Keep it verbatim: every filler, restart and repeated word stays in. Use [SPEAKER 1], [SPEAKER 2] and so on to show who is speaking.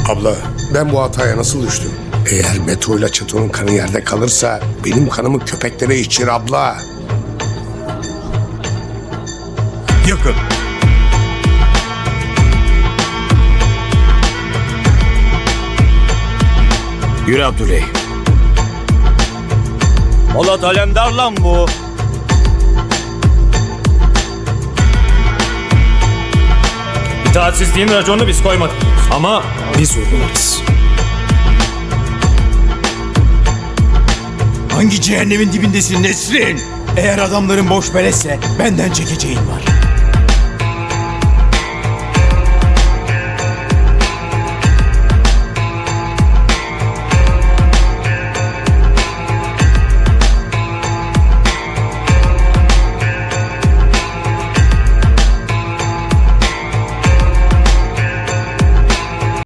[SPEAKER 1] Abla, ben bu hataya nasıl düştüm? Eğer Beto ile Çeto'nun kanı yerde kalırsa benim kanımı köpeklere içir abla.
[SPEAKER 2] Yakın.
[SPEAKER 3] Yürü Abdüley.
[SPEAKER 2] Polat Alemdar lan bu.
[SPEAKER 4] İtaatsizliğin raconunu biz koymadık. Ama biz uygularız.
[SPEAKER 2] Hangi cehennemin dibindesin Nesrin? Eğer adamların boş belesse benden çekeceğin var.